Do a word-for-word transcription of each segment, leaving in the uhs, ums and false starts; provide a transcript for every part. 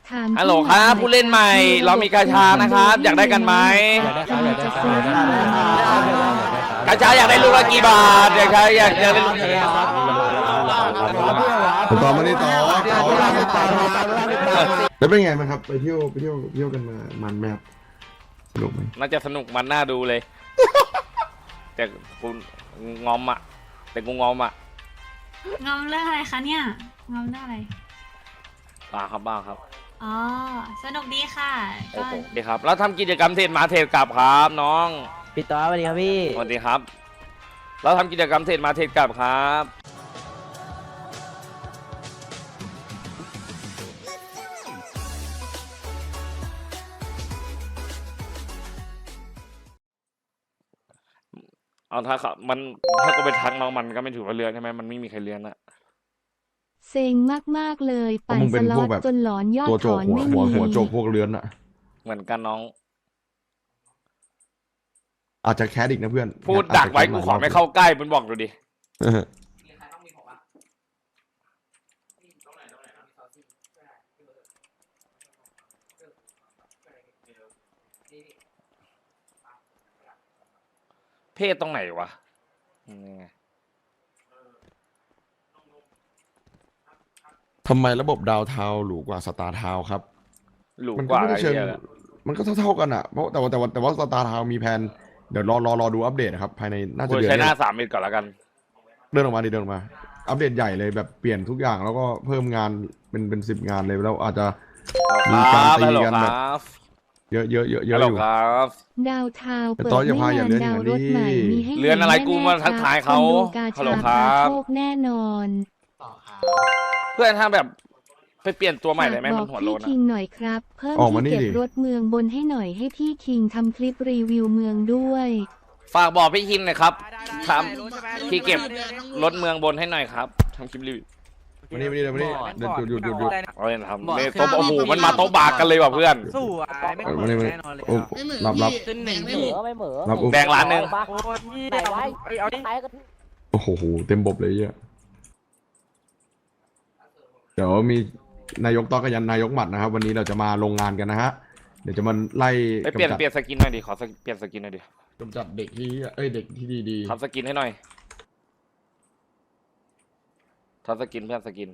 ถามฮัลโหลครับผู้เล่นใหม่เรามีกาชานะครับอยากได้กันไหมอยากได้ครับอยากได้ครับอยากได้ครับกาชาอยากได้ลูกละกี่บาทอยากใครอยากอยากได้ลูกต่อมานี่ต่อแล้วเป็นไงบ้างครับไปเที่ยวไปเที่ยวเที่ยวกันมามันไหมครับสนุกไหมน่าจะสนุกมันน่าดูเลยแต่กูงอมอ่ะแต่กูงอมอ่ะงอมเรื่องอะไรคะเนี่ยงอมเรื่องอะไรบ้าครับบ้าครับอ๋อสนุกดีค่ะโอ้ก็โหดีครับแล้วทำกิจกรรมเทรดมาเทรดกลับครับน้องพี่ต่อสวัสดีครับพี่สวัสดีครับแล้วทำกิจกรรมเทรดมาเทรดกลับครับเอาถ้าครับมันถ้าก็ไปทักน้องมันก็ไม่ถือว่าเลือนใช่ไหมมันไม่มีใครเลือนอะเซ็งมากๆเลยปั่นมึงสเป็นล็พอวกตแบบจนหลอนยอดตัวโจถกอนหัวไม่หัวมีหัวโจกพวกเรือนอะเหมือนกันน้องอาจจะแคสอีกนะเพื่อนพูดดักไว้กูขอไม่เข้าใกล้มันบอกดูดิเออเพศตรงไหนวะนี่ไงทำไมระบบดาวเทาหรูกว่าสตาร์เทาครับหลูมันกก็ว่าไม่ไอ้ได้เชิงเหี้ยแหละมันก็เท่าๆกันอะเพราะแต่ว่าแต่ว่าแต่ว่าสตาร์เทามีแผนเดี๋ยวรอรอรอดูอัปเดตนะครับภายในน่าจะกูเดือนใช้หน้านี้สามมิตรก่อนแล้วกันเดินออกมาดิเดินออกมา อัปเดตใหญ่เลยแบบเปลี่ยนทุกอย่างแล้วก็เพิ่มงานเป็นเป็นสิบงานเลยแล้วอาจจะ มีการตีฮัลโหลกันคแบรับเยอะเยอะเยอะเยฮัอะลโหลอยู่ครับดาวเทาวแต่เปิดต้อยอย่าไม่พาอย่าเลื่อนนานดาวอย่างรนี้ถใหม่มีให้เลื่อนอะไรกูมาทักทายเขาคนดูกาฮัลโหลชาครัพาบโชคแน่นอนเพื่อนถ้าแบบไปเปลี่ยนตัวใหม่ได้ไหมฝากมับอน กหัวโลพี่นคิอะงหน่อยครับ เพิ่มออกมาที่นี่เก็บดิรถเมืองบนให้หน่อยให้พี่คิงทำคลิปรีวิวเมืองด้วยฝากบอกพี่คินหน่อยครับทำที่เก็บรถเมืองบนให้หน่อยครับทำคลิปรีวิววันนี้วันนี้วันนี้เดินหยุดหยุดหยุดหยุดเอาเลยทำเนี่ยโต๊ะโอ้โหมันมาโต๊ะบากกันเลยว่ะเพื่อนสู้อ่ะไม่เออเหวันมืนี้อนวันนี้แน่นอนเลยโอ้อ่ะรับรับขึ้นหนึ่งไม่พี่เหมือไม่เหมือรับอุ้มแดงร้านหนึ่งโอ้ยพี่เอาเอาดิโอ้โหเต็มบบเลยเหี้ยเดี๋ยวมีนายกต้อกับยันนายกหมัดนะครับ วันนี้เราจะมาลงงานกันนะฮะเดี๋ยวจะมาไล่ไปเปลี่ยนกำจัดเปลี่ยนสกินหน่อยดิขอสกเปลี่ยนสกินหน่อยดิกำจัดเด็กที่เอ้ยเด็กที่ดีดีทำสกินให้หน่อยทำสกินเพื่อนสกิน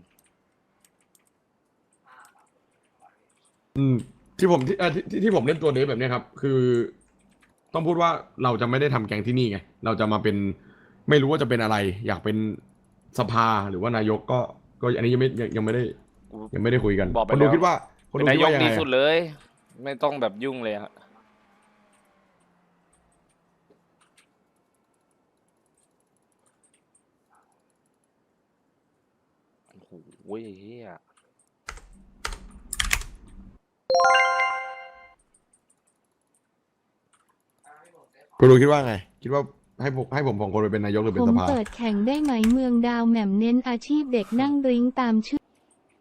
อืมที่ผมที่เอ่อที่ที่ที่ผมเล่นตัวเดฟแบบเนี้ยครับ คือ ต้องพูดว่าเราจะไม่ได้ทำแกงที่นี่ไงเราจะมาเป็นไม่รู้ว่าจะเป็นอะไร อยากเป็นสภาหรือว่านายกก็ก็อันนี้ยังไม่ยังยังไม่ได้ ยังไม่ได้คุยกันบอกไปคนดูแล้วคิดว่าคนเป็นดูนาคิดยกว่ายังดีไงสุดอะเลย ไม่ต้องแบบยุ่งเลยฮะโอ้โหเฮียคนดูคิดว่าไง คิดว่าให้ผมให้ผมสองคนไปเป็นนายกหรือเป็ผนมสภาเปิดแข่งได้ไหมเมืองดาวแหม่มเน้นอาชีพเด็กนั่งดริ้งตามชื่อ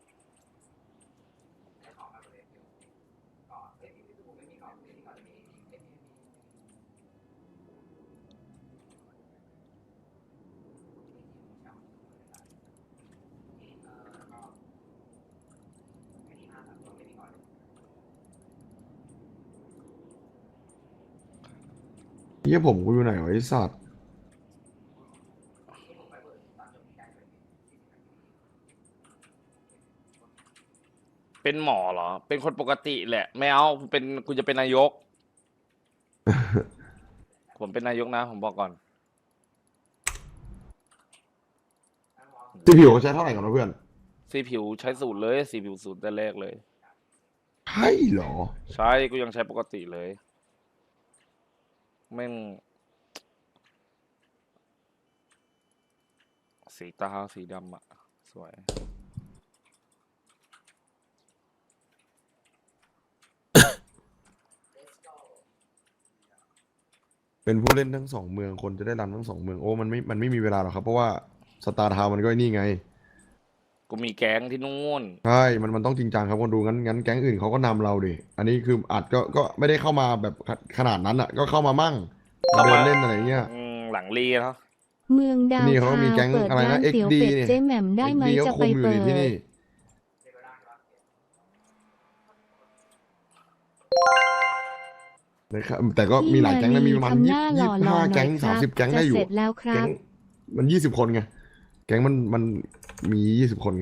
เฮียผมกูอยู่ไหนวะไอ้สัตว์เป็นหมอเหรอ เป็นคนปกติแหละ ไม่เอาเป็นกูจะเป็นนายก ผมเป็นนายกนะ ผมบอกก่อนที่ผิวเขาใช้เท่าไหร่กันวะเพื่อนสีผิวใช้สูตรเลยสีผิวสูตรแต่แรกเลยใช่เหรอใช่กูยังใช้ปกติเลยแม่งสีตาสีดำอะสวยเป็นผู้เล่นทั้งสองเมืองคนจะได้รันทั้งสองเมืองโอ้มันไม่มันไม่มีเวลาหรอกครับเพราะว่าสตาร์ทาวมันก็ไอ้นี่ไงกูมีแก๊งที่นู่นใช่ มันมันต้องจริงจังครับคนดูงั้นงั้นแก๊งอื่นเขาก็นำเราดิ อันนี้คืออาจก็ก็ไม่ได้เข้ามาแบบขขนาดนั้นอ่ะ ก็เข้ามามั่งเข้าเดิมานเล่นอะไรเงี้ยอืมหลังรีเนาะเมืองดาวนี่เขาทาวมีแก๊งเปิดอะไรนะร้านเตี๋ยวเอ็กซ์ดีเป็ดเนี่ยเจ๊แหม่มได้ไหมเอ็กซ์ดีจะก็ไปคุมอยู่เปินี่ดที่นี่นะครับแต่ก็มีหลายแก๊งนะมีประมาณทำหยี่น้าหสิล่อบ หล่อห้าหน่แก๊อยงคสามรับสิบแก๊งจะได้อยู่เสร็จแล้วคแก๊รับงมันยี่สิบคนไงแก๊งมันมันมียี่สิบคนไง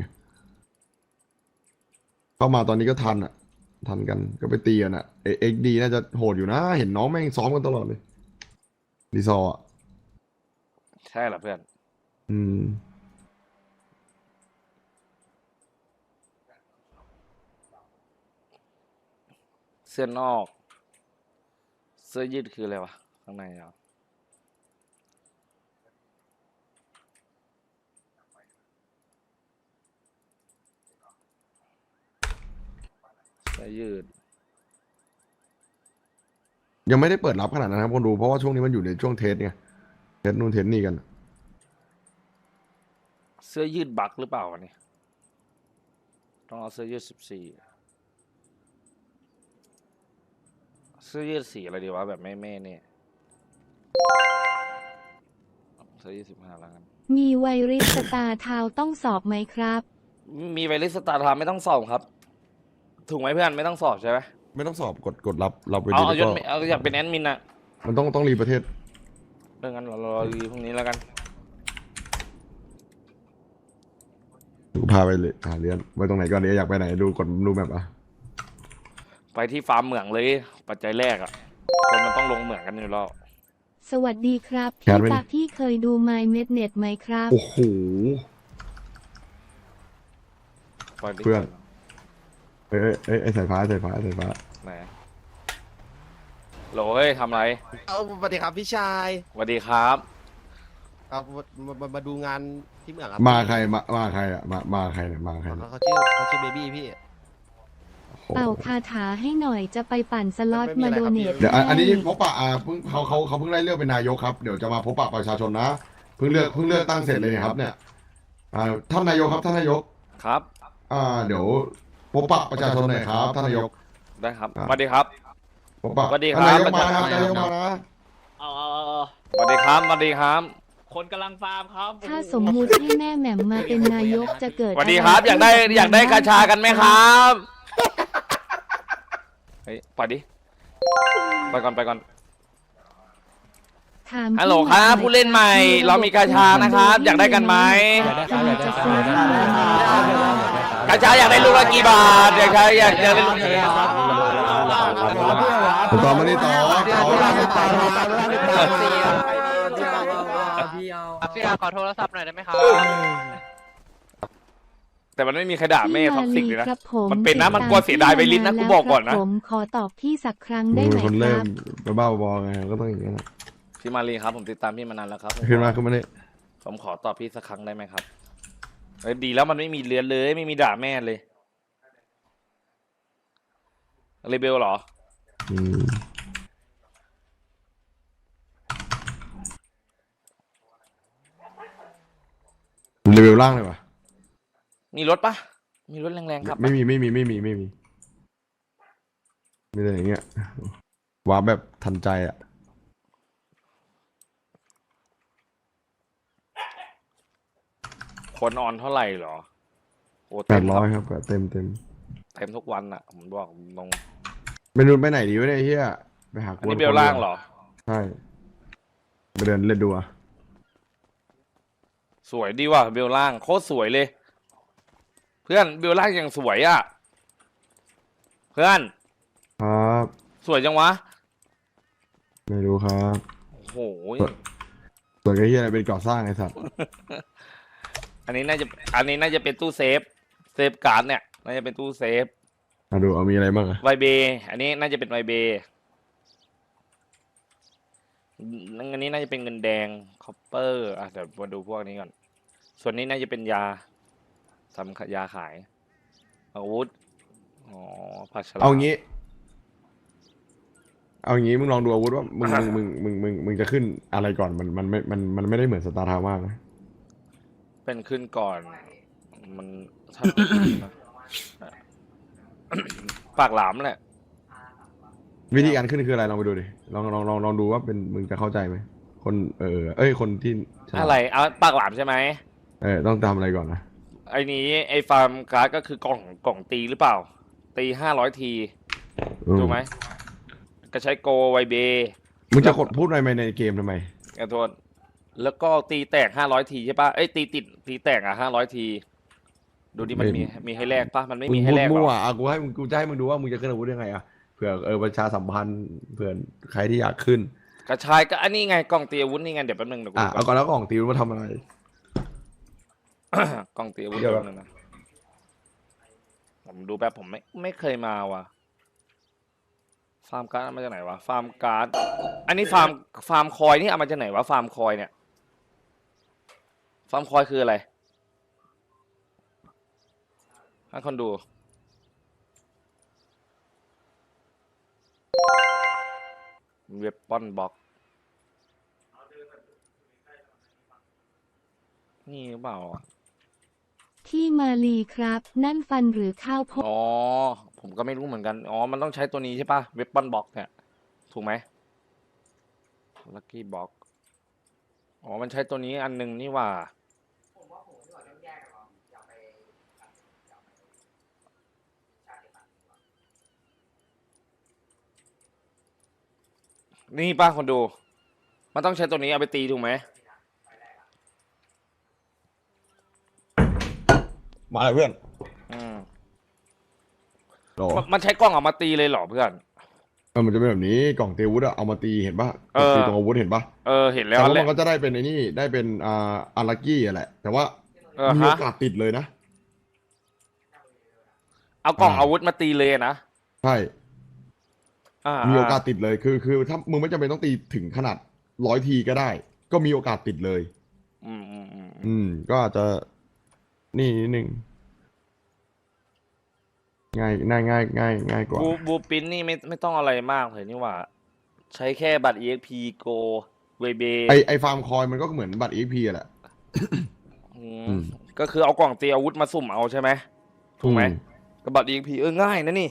เข้ามาตอนนี้ก็ทันอ่ะ ทันกันก็ไปตีกันอ่ะเอ็กดีน่าจะโหดอยู่นะ เห็นน้องแม่งซ้อมกันตลอดเลยดีซอร์อ่ะใช่เหรอเพื่อนอืมเสื้อนอก เสื้อยืดคืออะไรวะข้างในเหรอเสื้อยืดยังไม่ได้เปิดรับขนาดนั้นครับคนดูเพราะว่าช่วงนี้มันอยู่ในช่วงเทสไงเทสนู่นเทสนี่กันเสื้อยืดบักหรือเปล่าวะเนี่ยต้องเอาเสื้อยืดสิบสี่เสื้อยืดสีอะไรดีวะแบบไม่แม่เนี่ยเสื้อยืดสิบห้าแล้วกันมีไวริสสตาร์ทาวน์ต้องสอบไหมครับมีไวริสสตาร์ทามไม่ต้องสอบครับ ถูกไหมเพื่อนไม่ต้องสอบใช่ไหมไม่ต้องสอบกดกดรับรับไปเอาดีเอายแล้ศวก็ไม่เอาอยากเป็นแอดมินอะมันต้องต้องรีประเทศเรื่องนั้นเรารอรีพรุ่งนี้แล้วกันพาไปเลยหาเรียนไว้ตรงไหนก่อนเดี๋ยวอยากไปไหนดูกดดูแบบอ่ะไปที่ฟาร์มเหมืองเลย ปัจจัยแรกอะคนมันต้องลงเหมืองกันอยู่แล้วสวัสดีครับแคพี่ทไหมตักที่เคยดู My Mednet ไหมครับโอ้โหปล่อยดิเพื่อน เอ้ยเอ้ยเอ้ยไอ้สายฟ้าสายฟ้าสายฟ้าไหนโหลเฮ้ยทำไรเอาสวัสดีครับพี่ชายสวัสดีครับครับมามามาดูงานที่เมืองครับมาใครมามาใครอ่ะมามาใครเนี่ยมาใครเนี่ยเขาชื่อเขาชื่อเบบี้พี่โอ้โหเป่าคาถาให้หน่อยจะไปปั่นสล็อตไม่มามีอะไรโดครับเนทเดี๋ยวอันอันนี้ให้พบปะอ่าเพิ่งเขาเขาเขาเพิ่งได้เลือกเป็นนายกครับเดี๋ยวจะมาพบปะประชาชนนะเพิ่งเลือกเพิ่งเลือกตั้งเสร็จเลยเนี่ยครับเนี่ยอ่าท่านนายกครับท่านนายกครับอ่าเดี๋ยวพบปะประชาชนหน่อยครับท่านนายกได้ครับครับสวัสดีครับพบปะสวัสดีครับท่านนายกมานะครับนายกมานะเอาเอาเอาเอาสวัสดีครับสวัสดีครับคนกำลังฟาร์มครับถ้าสมมุติให้แม่แหม่มมาเป็นนายกจะเกิดสวัสดีครับะรอยากได้ขึ้นอยากได้กระชากันไหมครับเฮ้ยปล่อยดิไปก่อนไปก่อนถามฮัลโหลพี่ครับหน่อยผู้เล่นใหม่มีะบบเรามีกระชานะครับคอมโดอยากได้กันไหมอยากได้ครับอยากได้ครับอยากได้ครับกระชาอยากได้ลูกละกี่บาทอยากได้อยากอยากได้ลูกต่อมานี่ต่อต่อพี่อาขอโทรศัพท์หน่อยได้ไหมครับแต่มันไม่มีใครด่าแม่ท็อกซิกเลยนะพี่มาลีครับผมมันเป็นนะมันกลัวเสียดายไวลิสนะกูบอกก่อนนะผมขอตอบพี่สักครั้งมึได้งไหมเป็นคนคเริ่รัมบบ้าๆบอๆไงก็ต้องอย่างนี้นะพี่มารีครับผมติดตามพี่มานานแล้วครับขึ้นมาขึ้นมานี่ผมขอตอบพี่สักครั้งได้ไหมครับเอ้ยดีแล้วมันไม่มีเลือนเลยไม่มีด่าแม่เลยเรเบลเหรออืมเลเวลล่างเลยวะมีรถปะมีรถแรงๆครับไม่มีไม่มีไม่มีไม่มีมีแต่อย่างเงี้ยว้าร์ปแบบทันใจอ่ะคนออนเท่าไหร่เหรอโอ้แปเต็ดมร้อยครับเต็มเต็มเต็มทุกวันอ่ะผมบอกตรงไปนู่นไปไหนดีวะเนี่ยไอ้เฮียไปหาอันนี้เบลล่างเหรอใช่ไปเดินเล่นดูอ่ะสวยดีว่ะเบลล่างโคตรสวยเลย เพื่อนเบลล่างยังสวยอ่ะเพื่อนครับสวยจังวะไม่รู้ครับโอ้โหส่วนไอ้เฮียอะไรเป็นก่อสร้างไอ้สัตว์อันนี้น่าจะอันนี้น่าจะเป็นตู้เซฟเซฟการ์ดเนี่ยน่าจะเป็นตู้เซฟมาดูเอามีอะไรบ้างอะไวเบอันนี้น่าจะเป็นไวเบอันนี้น่าจะเป็นเงินแดงคอปเปอร์อ่ะเดี๋ยวมาดูพวกนี้ก่อนส่วนนี้น่าจะเป็นยาทำยาขายอาวุธอ๋อผักฉลามเอางี้ เอางี้มึงลองดูอาวุธว่ามึงมึงมึงมึงมึงมึงจะขึ้นอะไรก่อนมันมันไม่มันมันไม่ได้เหมือนสตาร์ทาวน์มากนะเป็นขึ้นก่อน มันถ้า ปากหลามแหละวิธีการขึ้นคืออะไรลองไปดูดิลองลองลองลองดูว่าเป็นมึงจะเข้าใจไหมคนเออเอ้ยคนที่ฉลาดอะไรเอาปากหลามใช่ไหมเออต้องทำอะไรก่อนนะไอ้นี้ไอ้ฟาร์มการ์ดก็คือกล่องกล่องตีหรือเปล่า ตีห้าร้อยทีอืมถูกไหมกก็ใช้โกไวเบมึงจะกดพูดอะไรในเกมทำไมขอโทษแล้วก็ตีแตกห้าร้อยทีใช่ปะเอ้ยตีติดตีแตกอ่ะห้าร้อยทีดูดิมันมีมีให้แลกปะมันไม่มึมีงให้พูดแลกหรมั่วออ่ะกูให้มึงกูจะให้มึงดูว่ามึงจะขึ้นอาวุธยังไงอ่ะเผื่อเออประชาสัมพันธ์เผื่อใครที่อยากขึ้นกระชายก็อันนี้ไงกล่องตีอาวุธนี่ไงเดี๋ยวแป๊บนึงเดี๋ยวกูอ่ะดูก่เอาอนก่อนแล้วกล่องตีมาทำอะไรกล่องตีอาวุธเดี๋ยวแป๊บนึงนะผมดูแป๊บผมไม่ไม่เคยมาว่ะฟาร์มการ์ดเอามาจากไหนวะฟาร์มการ์ดอันนี้ฟาร์มฟาร์มคอยนี่เอามาจากไหนวะฟาร์มคอยเนี่ยฟาร์มคอยคืออะไรให้คนดูเว็บปอนบ็อกนี่หรือเปล่าอ่ะที่มาลีครับ นั่นฟันหรือข้าวโพดอ๋อ ผมก็ไม่รู้เหมือนกัน อ๋อ มันต้องใช้ตัวนี้ใช่ปะเว็บปอนบ็อกเนี่ย ถูกไหมลัคกี้บ็อกอ๋อ มันใช้ตัวนี้อันหนึงนี่ว่า นี่ป้าคนดู มันต้องใช้ตัวนี้เอาไปตีถูกไหมมาเลยเพื่อนอืมหรอมันมันใช้กล้องออกมาตีเลยเหรอเพื่อนเออมันจะเป็นแบบนี้กล่องตีอาวุธอะเอามาตีเห็นปะเออตีตรงอาวุธเห็นปะเออ เห็นแล้แต่วว่าแหมัละนก็จะได้เป็นไอ้นี่ได้เป็นอ่าอารักกี้อะแหละ แต่ว่าเออมีฮะโอกาสติดเลยนะเอากล่องอ่าอาวุธมาตีเลยนะใช่อ่ามีโอกาสติดเลยคือคือถ้ามึงไม่จำเป็นต้องตีถึงขนาดร้อยทีก็ได้ ก็มีโอกาสติดเลยอืมอืมอืมอืม ก็อาจจะนี่นิดนึงง่ายง่ายง่ายง่ายง่ายกว่าบูบูปินนี่ไม่ไม่ต้องอะไรมากเลยนี่หว่า ใช้แค่บัตร อี เอ็กซ์ พี Go เวเบไอไอฟาร์มคอยมันก็เหมือนบัตร อี พีแหละอือืมมก็คือเอากล่องตีอาวุธมาสุ่มเอาใช่ไหมถูกไหมอืกับบัตร อี เอ็กซ์ พี เออง่ายนะนี่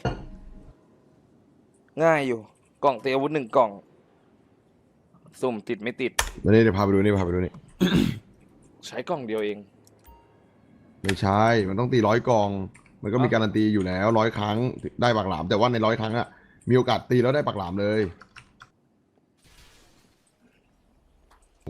ง่ายอยู่ กล่องตีอาวุธหนึ่งกล่อง สุ่มติดไม่ติดแล้วนี่เดี๋ยวพาไปดูนี่พาไปดูนี่ใช้กล่องเดียวเองไม่ใช่ มันต้องตีร้อยกอง มันก็มีการันตีอยู่แล้วร้อยครั้งได้ปากหลาม แต่ว่าในร้อยครั้งอะมีโอกาสตีแล้วได้ปากหลามเลยโอ้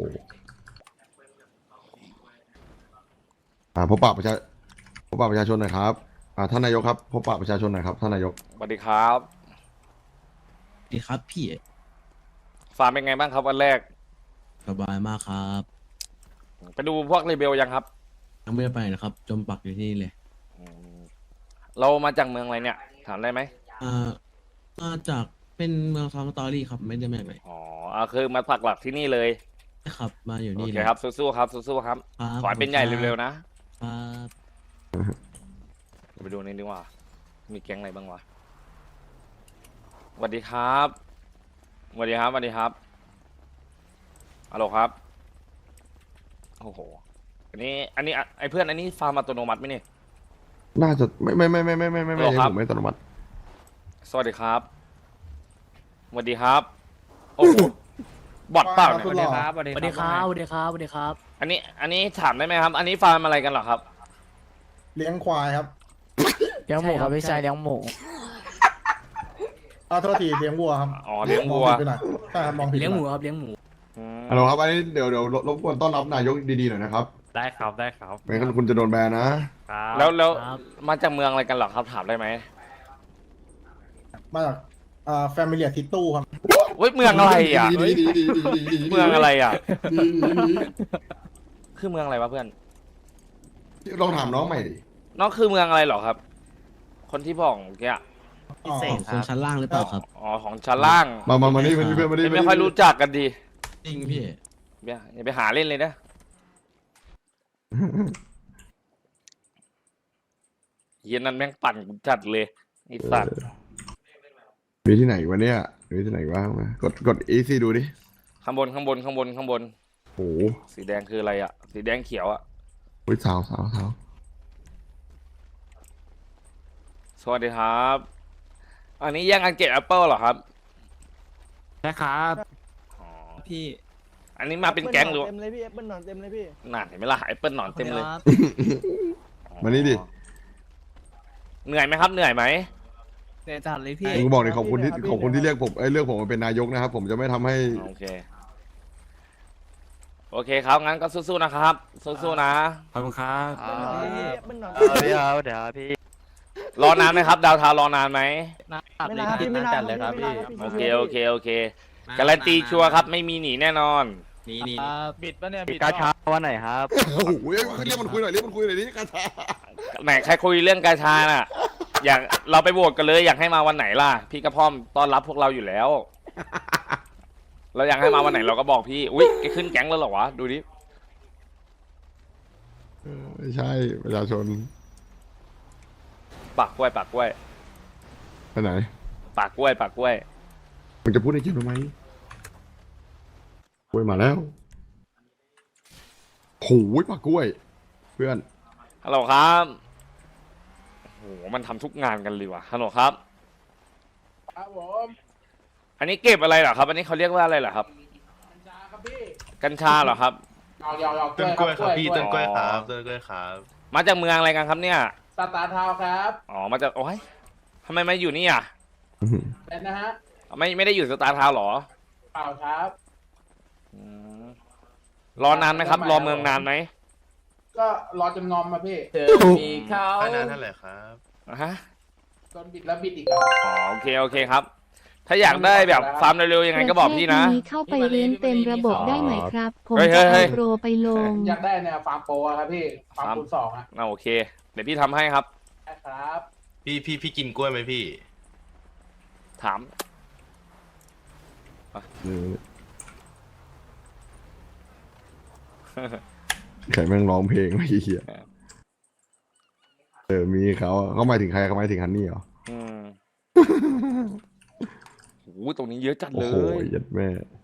อ่าพบปะประชาพบปะประชาชนหน่อยครับอ่าท่านนายกครับพบปะประชาชนหน่อยครับท่านนายกสวัสดีครับดีครับพี่ฟาร์มเป็นไงบ้างครับวันแรกสบายมากครับไปดูพวกเรเบลยังครับยังไม่ได้ไปนะครับ จมปักอยู่ที่นี่เลยอืมเรามาจากเมืองอะไรเนี่ย ถามได้ไหมอ่ามาจากเป็นเมืองซอมสตอรี่ครับ ไม่ได้แม่งเลยอ๋ออ่าคือมาปักหลักที่นี่เลยครับ มาอยู่โอนี่เคเลยครับ สู้ๆครับ สู้ๆครับครับขอให้เป็นใหญ่เร็วๆนะครับไปดูนี่ดีกว่า มีแก๊งอะไรบ้างวะสวัสดีครับสวัสดีครับสวัสดีครับฮัลโหลครับ โอ้โห อันนี้ อันนี้อ่ะไอ้เพื่อน อันนี้ฟาร์มอัตโนมัติไหมเนี่ยน่าจะไม่ไม่ไม่ไม่ไม่ไม่ไม่ไม่หรอใช่ครับผมไม่อัตโนมัติสวัสดีครับสวัสดีครับ โอ้โห บอทเปล่าเนี่ยสวัสดีครับสวัสดีสวัสดีครับสวัสดีครับสวัสดีครับอันนี้ อันนี้ถามได้ไหมครับ อันนี้ฟาร์มอะไรกันเหรอครับเลี้ยงควายครับเลี้ยงหมูครับพี่ชายเลี้ยงหมูอ้าวโทษทีเลี้ยงวัวครับอ๋อ เลี้ยงวัวมองผิดไปหน่อยใช่ครับมองผิดไปเลี้ยงหมูน่อครับเลี้ยงหมูอืมฮัลโหลครับอันนี้เดี๋ยวเดี๋ยวรบรบกวนต้อนรับนายกดีๆหน่อยนะครับได้ครับได้ครับไม่งั้นคุณจะโดนแบนนะครับแล้วแล้วครับมาจากเมืองอะไรกันเหรอครับ ถามได้ไหมมาจากอ่าแฟมิเลียทิตตู้ครับเฮ้ย เมืองอะไรอ่ะดีดีดีดีดีดีเมืองอะไรอ่ะดีดีดีคือเมืองอะไรวะเพื่อนลองถามน้องใหม่ดิน้องคือเมืองอะไรเหรอครับ คนที่บอกเมื่อกี้อะอ๋อของคนชั้นล่างหรือเปล่าครับอ๋อ ของชั้นล่างมามามานี่มานี่เพื่อนมานี่ไม่ค่อยรู้จักกันดีจริงพี่อย่าอย่าไปหาเล่นเลยนะ เย็นนั้นแม่งปั่นกูจัดเลยไอ้สัตว์มีที่ไหนวะเนี่ยมีที่ไหนบ้างมากดกดอีซีดูดิข้างบนข้างบนข้างบนข้างบนโอ้โหสีแดงคืออะไรอ่ะ สีแดงเขียวอ่ะอุ๊ยสาวสาวสาวสวัสดีครับ อันนี้แย่งกันเก็บแอปเปิลเหรอครับใช่ครับอ๋อพี่อันนี้มาเป็นแก๊งหรือเต็มเลยพี่แอปเปิลหนอนเต็มเลยพี่น่าเห็นไหมล่ะแอปเปิลหนอนเต็มเลยครับมานี่ดิเหนื่อยไหมครับ เหนื่อยไหมเดี๋ยวจัดเลยพี่ผมก็บอกเลยขอบคุณที่ขอบคุณที่เรียกผมเอ้ยเลือกผมมาเป็นนายกนะครับ ผมจะไม่ทำให้โอเค โอเคครับ งั้นก็สู้ๆนะครับ สู้ๆนะขอบคุณครับเอาพี่เอาเดี๋ยวพี่รอนานไหมครับ ดาวเทาวน์รอนานไหมไม่นานพี่ไม่นานจัดเลยครับพี่โอเค โอเค โอเค การันตีชัวร์ครับ ไม่มีหนีแน่นอนนี่นี่บิดปะเนี่ยบิดกาชาวันไหนครับโอ้โหเรียกมันคุยหน่อยเรียกมันคุยหน่อยนี่กาชาไหนใครคุยเรื่องกาชาน่ะ อยากเราไปโหวตกันเลย อยากให้มาวันไหนล่ะ พี่กระพร่อมต้อนรับพวกเราอยู่แล้ว เราอยากให้มาวันไหนเราก็บอกพี่ อุ้ยแกขึ้นแก๊งแล้วเหรอวะ ดูดิไม่ใช่ประชาชนปากกล้วย ปากกล้วยไปไหนปากกล้วย ปากกล้วยมึงจะพูดในเกมทำไมกล้วยมาแล้วโอ้ยปากกล้วย เพื่อนฮัลโหลครับโอ้โห มันทำทุกงานกันเลยว่ะ ฮัลโหลครับครับผมอันนี้เก็บอะไรเหรอครับ อันนี้เขาเรียกว่าอะไรเหรอครับกัญชาครับพี่กัญชาเหรอครับเอายาวๆต้นกล้วยครับพี่ต้นกล้วยคอ๋รัอบต้นกล้วยครับมาจากเมืองอะไรกันครับเนี่ยสตาร์ทาวน์ครับอ๋อ มาจาก โอ้ยทำไมมาอยู่นี่อ่ะเป็นนะฮะไม่ไม่ได้อยู่สตาร์ทาวน์เหรอเปล่าครับอืมรอนานไหมครับ รอเมืองนานไหมก็รอจนงอมมาพี่เจอมีเขาไม่นานเท่าไหร่ครับอ่ะฮะโดนบิดแล้วบิดอีกครับอ๋อ โอเค โอเคครับ ถ้าอยากได้แบบฟาร์มเร็วๆยังไงก็บอกพี่นะประเทศเข้าไปเรียนเต็มระบบได้ไหมครับ ผมเฮ้ยจะเฮ้เอายโปรไปลงอยากได้เนี่ยฟาร์มโปรอะครับพี่ ฟาร์มคูณสองอะอ่าโอเค เดี๋ยวพี่ทำให้ครับได้ครับพี่พี่พี่กินกล้วยไหมพี่ถามใครแม่งร้องเพลงไม่เหี้ยเออ มีเขาเขาหมายถึงใครเขาหมายถึงฮันนี่เหรออืมโอ้โหตรงนี้เยอะจัดโอ้เลโหยยัดแม่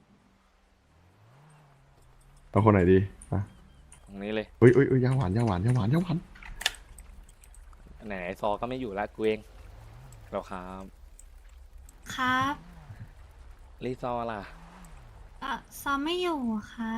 เอาคนไหนดีอ่ะตรงนี้เลยเฮ้ยเฮ้ยเฮ้ยยาหวานยาหวานยาหวานยาหวานไหนไอ้ซอก็ไม่อยู่ละกูเองเราครับครับรีซอล่ะเออซ้อมไม่อยู่ครับ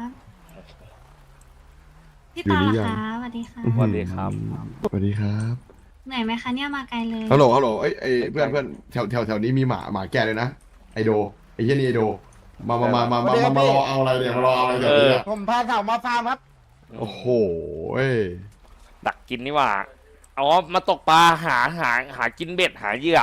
พี่อยู่ตาหรือล่ะยังคะสวัสดีค่ะสวัสดีครับสวัสดีครับเหนื่อยไหมคะเนี่ยมาไกลเลยฮัลโหลฮัลโหลเอ้ยเอ้ยเพื่อนเพื่อนแถวแถวแถวนี้มีหมาหมาแก่เลยนะไอโดไอเหี้ยนี่ไอโดมามามามามามา มารอเอาอะไรเนี่ยมารอเอาอะไรเดี๋ยวนี้ผมพาสาวมาฟาร์มครับโอ้โหเอ้ยดักกินนี่หว่าอ๋อมาตกปลาหาหาหากินเบ็ดหาเหยื่อ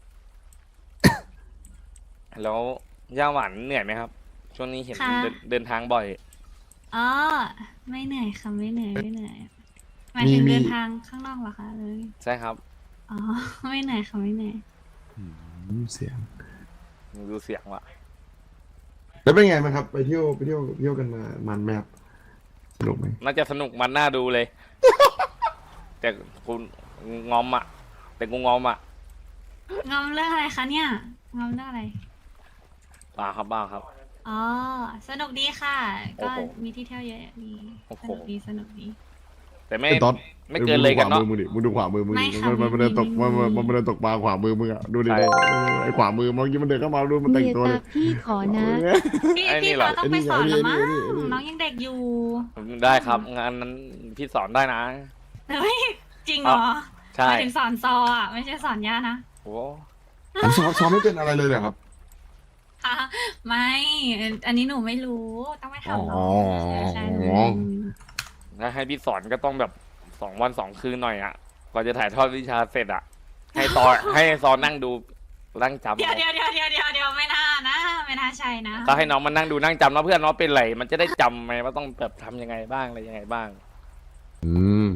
แล้วย่าหวานเหนื่อยไหมครับ ช่วงนี้เห็นเดินเดินทางบ่อยอ๋อ ไม่เหนื่อยค่ะไม่เหนื่อยไม่เหนื่อยหมายถึงมีมีเดินทางข้างนอกเหรอคะเลยใช่ครับอ๋อ ไม่เหนื่อยค่ะไม่เหนื่อยอืมเสียงดูเสียงว่ะแล้วเป็นไงบ้างครับ ไปเที่ยวไปเที่ยวเที่ยวกันมามันไหมครับสนุกไหมน่าจะสนุกมันน่าดูเลย แต่คุณงอมอ่ะ แต่กูงอมอ่ะงอมเรื่องอะไรคะเนี่ยงอมเรื่องอะไรบ้าครับบ้าครับอ๋อ สนุกดีค่ะโอ้ก็โหมีที่เที่ยวเยอะดีโอ้โหสนุกดีสนุกดีแต่ไม่ไอ้ต๊อดไม่เกินเลยกันเนาะมึงดูขวามือมึงดิมึงดูขวามือมึงไม่ดิค่ะมันมันมันเดินตกไม่มันไม่มันมันเดินตกปลาขวามือมึงอ่ะดูดิใช่ไอ้ขวามือเมื่อกี้มันเดินเข้ามาดูมันแต่งเมียตัวเลตาย พี่ขอนะพี่ไอ้นี่พี่เหรอเขาต้องไปสอนละมั้งไอ้นี่ไอ้นี่ไอ้นี่น้องยังเด็กอยู่ได้ครับ งานนั้นพี่สอนได้นะเฮ้ยจริงเหรอใช่หมายถึงสอนซออ่ะไม่ใช่สอนย่านะโอ้ผมซ้อมซ้อมไม่เป็นอะไรเลยเหรอครับค่ะไม่ อันนี้หนูไม่รู้ต้องไปถามน้อ๋อองใช่หนูถ้าให้พี่สอนก็ต้องแบบสองวันสองคืนหน่อยอ่ะกว่าจะถ่ายทอดวิชาเสร็จอ่ะ ให้ตอนให้ซอนนั่งดูนั่งจำเดี๋ยวเดี๋ยวเดี๋ยวเดี๋ยวเดี๋ยวเดี๋ยวไม่น่านะไม่น่าใช่นะก็ให้น้องมานั่งดูนั่งจำแล้วเพื่อนน้องเป็นไรมันจะได้จำไหมว่าต้องแบบทำยังไงบ้างอะไรยังไงบ้างอืม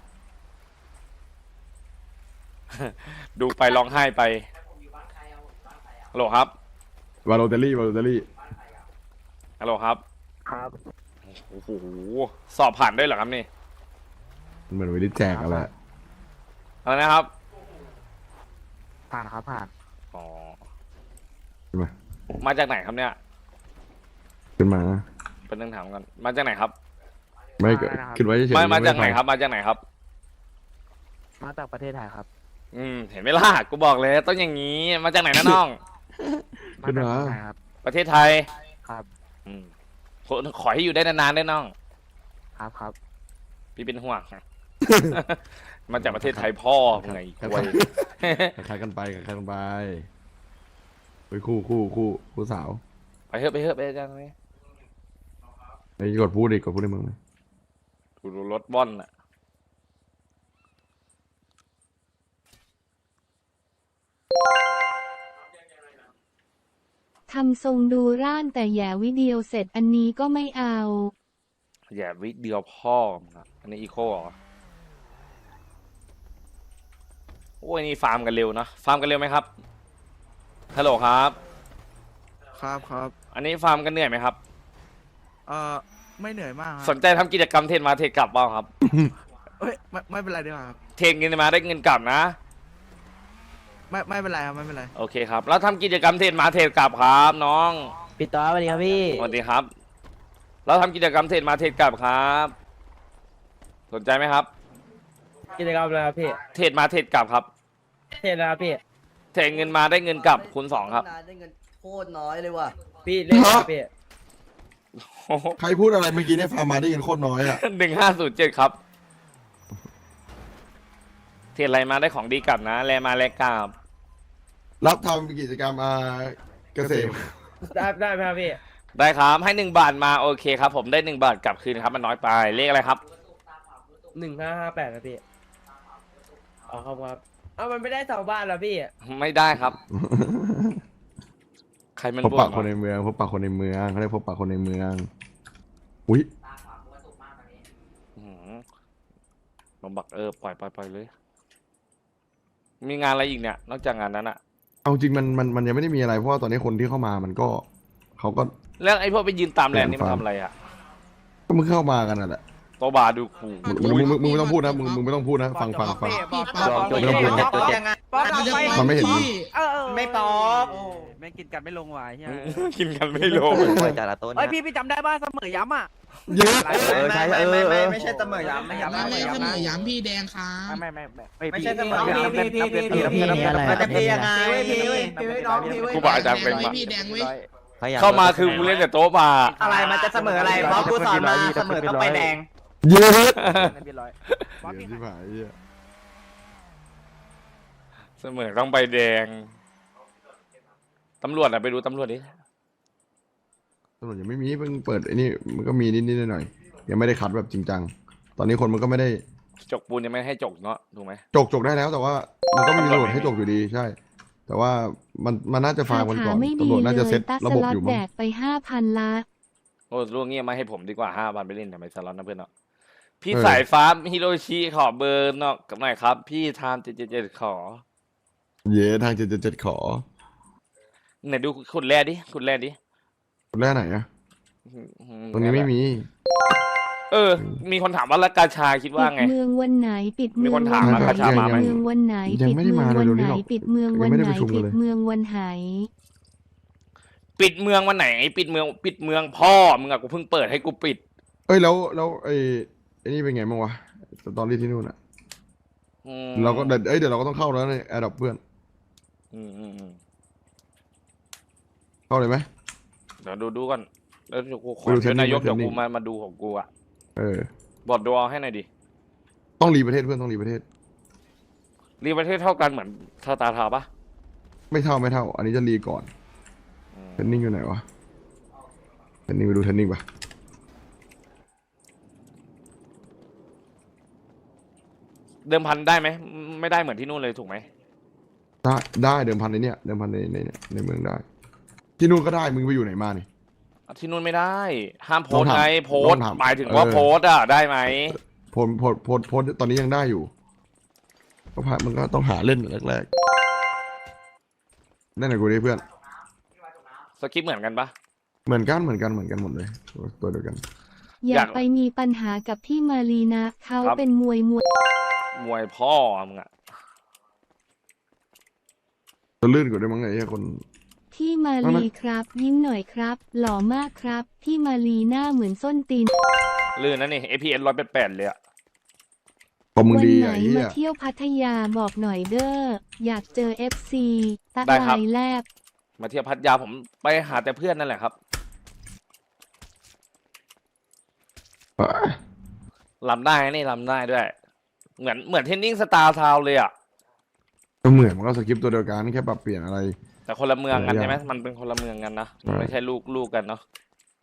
ดูไปร้องไห้ไปฮัลโหลครับวาโลเตอรี่วาโลเตอรี่ฮัลโหลครับครับโอ้โหสอบผ่านด้วยเหรอครับนี่เหมือนวิธีแจกอะไรอะไรนะครับผ่านครับผ่านอ๋อใช่ไหมมาจากไหนครับเนี่ยขึ้นมาเป็นเรื่องถามกันมาจากไหนครับไม่เกิดคิดไว้เฉยๆมามาจากไหนม่ครับ มาจากไหนครับมาจากประเทศไทยครับอืมเห็นไหมล่ะกูบอกเลยต้องอย่างนี้มาจากไหนนะน้องขึ้นมาครับประเทศไทยครับอืมขอขอให้อยู่ได้นานๆด้วยน้องครับครับพี่เป็นห่วงมาจากประเทศไทยพ่อมึงไงควยคล้ายๆกันไปคล้ายๆกันไปไปคู่คู่คู่คู่สาวไปเถอะไปเถอะไปจังเลยไอ้กดพูดดิกดพูดในเมืองเลยดูรถบ้อนอ่ะทำทรงดูร่านแต่แย่วิดีโอเสร็จอันนี้ก็ไม่เอาอย่าวิเดียวพ่อมึงอะอันนี้อีโคเหรอโอ้ยนี่ฟาร์มกันเร็วนะฟาร์มกันเร็วไหมครับฮัลโหลครับครับครับอันนี้ฟาร์มกันเหนื่อยไหมครับเอ่อไม่เหนื่อยมากสนใจทำกิจกรรมเทรดมาเทรดกลับบ้างครับเอ้ยไม่ไม่เป็นไรดีกว่าครับเทรดเงินมาได้เงินกลับนะไม่ไม่เป็นไรครับไม่เป็นไรโอเคครับแล้วทำกิจกรรมเทรดมาเทรดกลับครับน้องปิดต่อสวัสดีครับพี่สวัสดีครับแล้วทำกิจกรรมเทรดมาเทรดกลับครับ สนใจไหมครับกิจกรรมอะไรครับพี่เทรดมาเทรดกลับครับเทศนะครับพี่เทรดเงินมาได้เงินกลับคูณสองครับได้เงินโคตรน้อยเลยว่ะพี่เล่นครับพี่ใครพูดอะไรเมื่อกี้เนี่ยฟาร์มาได้ยินโคตรน้อยอ่ะหนึ่งห้าศูนย์เจ็ดครับเทรดอะไรมาได้ของดีกลับนะแลมาแลกลับรับทำกิจกรรมอ่าเกษตรได้ได้ไหมครับพี่ได้ครับให้หนึ่งบาทมาโอเคครับ ผมได้หนึ่งบาทกลับคืนครับมันน้อยไปเลขอะไรครับหนึ่งห้าห้าแปดครับพี่อ๋อครับครับอ้าวมันไม่ได้สองบ้านเหรอพี่ไม่ได้ครับ ใครมันพบบ่ปะนคนในเมืองพบปะคนในเมืองเขาเรียกพบปะคนในเมืองอุ้ยอื้อหือผมบอกเออปล่อยปล่อยปล่อยเลย มีงานอะไรอีกเนี่ย นอกจากงานนั้นอะเอาจริงมันมันมันยังไม่ได้มีอะไรเพราะว่าตอนนี้คนที่เข้ามามันก็เขาก็แล้วไอ้พวกไปยืนตามแลนด์นี่มันทำอะไรอะก็มึงเข้ามากันน่ะแหละโตบาดูขู่มึงมึงมึงมึงไม่ต้องพูดนะมึงมึงไม่ต้องพูดนะฟังฟังฟัง ไม่ต้องพูด มันไม่เห็นมึงไม่ปอกแม่งกินกันไม่ลงว่ะเฮียกินกันไม่ลงจากละต้นเฮ้ยพี่พี่จำได้ป่ะเสมอย้ำอ่ะเยอะไม่ไม่ไม่ไม่ไม่ใช่เสมอย้ำไม่ย้ำไม่ไม่ไม่เสย้ำมนะอย้ำพี่แดงครับไม่ไม่ไม่ไม่ใช่เสมอพี่ย้ำพี่พี่พี่พี่พี่อะไรมันจะเป็นยังไงพี่เว้ยพี่เว้ยน้องพี่เว้ยครูบาอาจารย์เป็นไว้ปะพี่แดงไว้เข้ามาคือกูเล่นแต่โต๊ะบาร์อะไรมันจะเสมออะไรเพราะกูสอนมาเสมอต้องไปแดงเยอะเรียบร้อยเดี๋ยวที่ผ่านไอ้เหี้ยเสมอต้องใบแดง ตำรวจอะไปดูตำรวจดิตำรวจยังไม่มีเพิ่งเปิดไอ้นี่มันก็มีนิดนิดหน่อยหน่อยๆยังไม่ได้คัดแบบจริงจังตอนนี้คนมันก็ไม่ได้จกปูนยังไม่ให้จกเนาะถูกไหมจกจกได้แล้ว แต่ว่ามันก็ไม่มีตำรวจให้จกอยู่ดีใช่ แต่ว่ามันมันน่าจะฟาร์มกันก่อนไม่ดีตำรวจน่าจะเลเซ็ยตตัสระสบบล็ออตยู่แดมั้งกไปห้าพันละโอ้ล่วงเงี้ยมาให้ผมดีกว่าห้าพันไปเล่นทำไมสล็อตนะเพื่อนเนาะพี่สายฟ้าฮิโรชิขอเบอร์เนาะหน่อยครับ พี่ทามเจ็ดเจ็ดเจ็ดขอเย่ทางเจ็ดเจ็ดเจ็ดขอไหนดูขุดแร่ดิขุดแร่ดิคนแรกไหนอะอืมตรงนี้ไม่มีเออ มีคนถามว่าแล้วกาชาคิดว่าปิดไงเมืองวันไหนปิดเมืมีองคนถามวัว่ากาชามาไหมปิดเมืองวันไหนยังปิดไม่ได้เมืมาองวันเร็วๆนี้ไหนหรอกปิดเมืองวันยังไม่ได้ไหนประชุมกันปิเลดยเมืองวันไหนปิดเมืองวันไหน ปิดเมือง ปิดเมืองพ่อมึงอะกูเพิ่งเปิดให้กูปิดเอ้ยแล้วแล้วไอ้ไอ้นี่เป็นไงบ้างวะสตอรี่ที่นู่นอะอืมเราก็เดี๋ยวเอ้ยเดี๋ยวเราก็ต้องเข้าแล้วในแอร์ดับเพื่อนอืมอืมอืมเข้าเลยไหมเดี๋ยวดูดูก่อนแล้วเดี๋ยวกูขอไปดูเชิญนายกเทรนนิ่เดี๋ยวงกูมามาดูของกูอะเออบอดดูเอาให้หน่อยดิต้องรีประเทศเพื่อนต้องรีประเทศรีประเทศเท่ากันเหมือนสตาร์ทาวน์ปะไม่เท่าไม่เท่า อันนี้จะรีก่อนอืมเทรนนิ่งอยู่ไหนวะเทรนนิ่งไปดูเทรนนิ่งปะเดิมพันได้ไหมไม่ได้เหมือนที่นู่นเลยถูกไหมได้ได้เดิมพันในเนี้ยเดิมพันในในในในเมืองได้ ที่นู่นก็ได้มึงไปอยู่ไหนมานี่ที่นู่นไม่ได้ ห้ามโพต้สองต์ถามไงโพสต้ต์องถามหมายถึงว่าเออโพสต์อะได้ไหมโพลโพลโพลโพลตอนนี้ยังได้อยู่ก็ผ่านมันก็ต้องหาเล่นแรกๆนั่นแหละกูดิเพื่อนสคริปต์เหมือนกันปะเหมือนกันเหมือนกันเหมือนกันหมดเลยตัวตัวเดียวกันอย่าอยากไปมีปัญหากับพี่มารีนะเขาครับเป็นมวยมวยมวยพ่อมึงอะตัวลื่นกว่าด้วยมั้งไอ้เหี้ยคนพี่มาเอารีนะครับ ยิ้มหน่อยครับ หล่อมากครับ พี่มารีหน้าเหมือนส้นตีนลื่นนะนี่ เอ พี เอส ร้อยแปดแปดเลยอะพอมึงวัดีไหนอ่ะไอ้เหี้มาย เที่ยวพัทยาบอกหน่อยเด้ออยากเจอเอฟซีตะได้ครับลายแลบมาเที่ยวพัทยาผมไปหาแต่เพื่อนนั่นแหละครับลำได้นี่ลำได้ด้วยเหมือนเหมือนเทนนิ่งสตาร์ทาวเลยอ่ะก็เหมือนมันก็สคริปต์ตัวเดียวกันแค่ปรับเปลี่ยนอะไรแต่คนละเมืองกันหลายอย่างใช่ไหมมันเป็นคนละเมืองกันนะมันไม่ใช่ลูกลูกกันเนาะ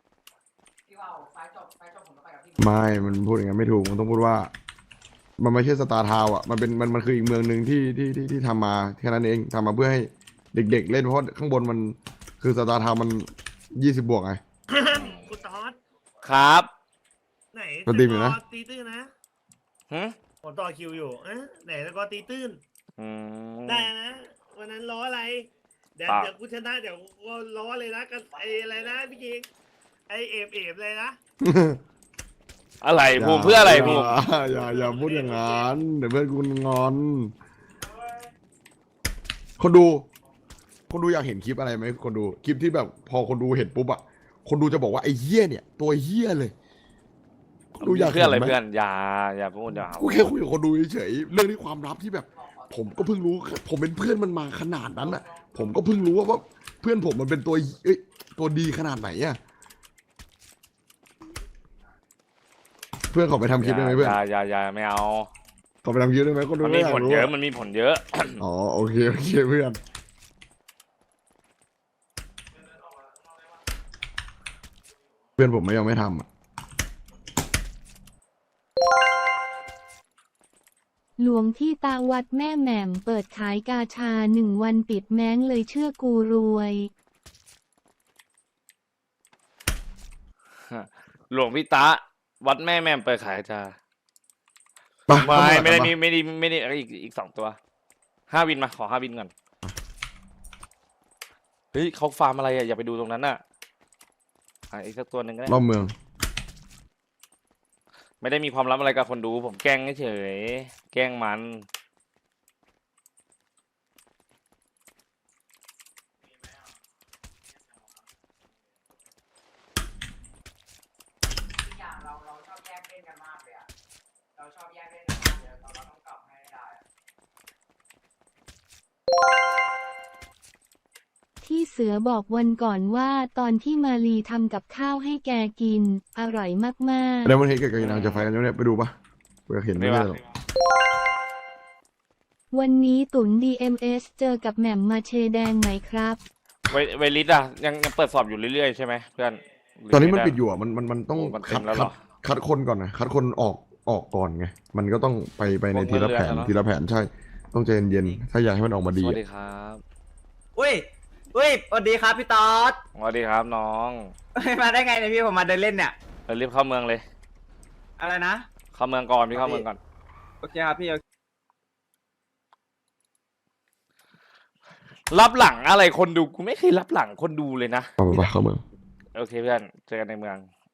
ไม่มันพูดอย่างนั้นไม่ถูกมันต้องพูดว่า มันไม่ใช่สตาร์ทาวน์อ่ะมันเป็นมันมันคืออีกเมืองหนึ่งที่ที่ที่ที่ทำมาแค่นั้นเองทำมาเพื่อให้เด็กๆเล่นเพราะข้างบนมันคือสตาร์ทาวน์มันยี่สิบบวกไงคุณตอสครับไหนสตรีมอยู่นะสกร์ตีตื้นนะหึผมต่อคิวอยู่เอ๊ะไหนสกอร์ตีตื้นอืมได้นะวันนั้นล้ออะไร เดี๋ยวปากเดี๋ยวกูชนะเดี๋ยวกูล้อเลยนะกันไออะไรนะพี่กิงไอเอฟเอฟเลยนะอะไรภูมิเพื่ออะไรภูมิอย่าอย่าอย่าพูดอย่างนั้นเดี๋ยวเพื่อนกูงอน คนดู คนดูอยากเห็นคลิปอะไรไหมคนดูคลิปที่แบบพอคนดูเห็นปุ๊บอะคนดูจะบอกว่าไอ้เหี้ยเนี่ย ตัวเหี้ยเลยคนดูอยากเพื่อนอะไรห็หมเพื่อนอย่าอย่าพูดอย่ากูแค่คุยกับคนดูเฉยๆเรื่องนี้ความลับที่แบบ ผมก็เพิ่งรู้ ผมเป็นเพื่อนมันมาขนาดนั้นอะผมก็เพิ่งรู้ว่าว่าเพื่อนผมมันเป็นตัวเอ้ยตัวดีขนาดไหนอะเพื่อนขอไปทำคลิปได้ไหมเพื่อนอย่าอย่าอย่าไม่เอาขอไปทำคลิปได้ไหมคนดูมันมีไยากผลรู้เยอะมันมีผลเยอะอ๋อโอเคโอเคเพื่อนเพื่อนผมไม่ยอมไม่ทำอะหลวงที่ตาวัดแม่แหม่มเปิดขายกาชาหนึ่งวันปิดแม้งเลยเชื่อกูรวยหลวงพี่ตาวัดแม่แม่มเปิดขายจ้าปไม่ไม่ได้ปมีไม่ได้ไม่ได้อีกอีกสองตัวห้าวินมาขอห้าวินก่อนเฮ้ยเขาฟาร์มอะไรอ่ะอย่าไปดูตรงนั้นน่ะอ่ะอีกสักตัวหนึ่งก็ได้รอบเมืองไม่ได้มีความลับอะไรกับคนดู ผมแกล้งเฉยๆแกล้งมันที่เสือบอกวันก่อนว่าตอนที่มาลีทำกับข้าวให้แกกิน อร่อยมากแล้ววันนี้กับกบนางจะไฟกันยังเนี่ยไปดูปะกูอยากเห็นไม่ได้หรอกๆ วันนี้ตุน ดี เอ็ม เอส เจอกับแหม่มมาเชแดงไหมครับไวไวลิสอ่ะยังยังเปิดสอบอยู่เรื่อยๆใช่ไหมเพื่อนหรืตอนนี้มันไปิดอยู่อ่ะมันมันมันต้องโอ้มันเต็คัมดแล้วเหรคัดอคัดคนก่อนนะคัดคนออกออกก่อนไงมันก็ต้องไปไปในพวกทีละแผนเรื่อยๆเนอะทีละแผนใช่ ต้องใจเย็นๆถ้าอยากให้มันออกมาสดีวัสอะดีครับอุ้ยอุ้ยสวัสดีครับพี่ตอสสวัสดีครับน้องมาได้ไงเนี่ยพี่ผมมาเดินเล่นเนี่ยเรารีบเข้าเมืองเลยอะไรนะเข้าเมืองก่อนพี่เข้าเมืองก่อนโอเคครับพี่รับหลังอะไรคนดูกูไม่เคยรับหลังคนดูเลยนะไปไปไปเข้าเมืองโอเคเพื่อนเจอกันในเมือง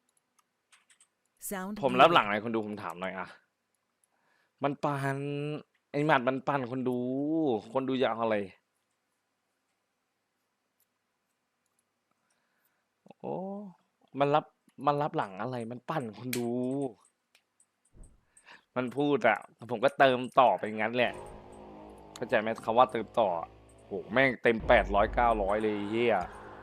ผมรับหลังอะไรคนดูผมถามหน่อยอะมันปันไอ้หมัดมันปันคนดู คนดูอยากเอาอะไรโอ้มันรับมันรับหลังอะไร มันปั่นคนดู มันพูดอะผมก็เติมต่อไปงั้นแหละ เข้าใจไหมคำว่าเติมต่อโหแม่งเต็มแปดร้อยเก้าร้อยเลยเฮีย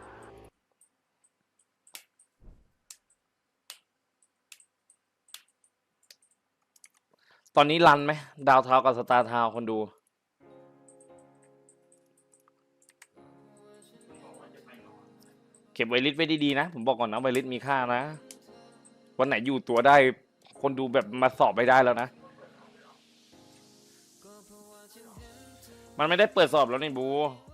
ตอนนี้รันไหมดาวเทากับสตาร์เทาคนดู เก็บไวลิสไว้ดีๆนะ ผมบอกก่อนนะไวลิสมีค่านะ วันไหนอยู่ตัวได้ คนดูแบบมาสอบไม่ได้แล้วนะ มันไม่ได้เปิดสอบแล้วนี่บู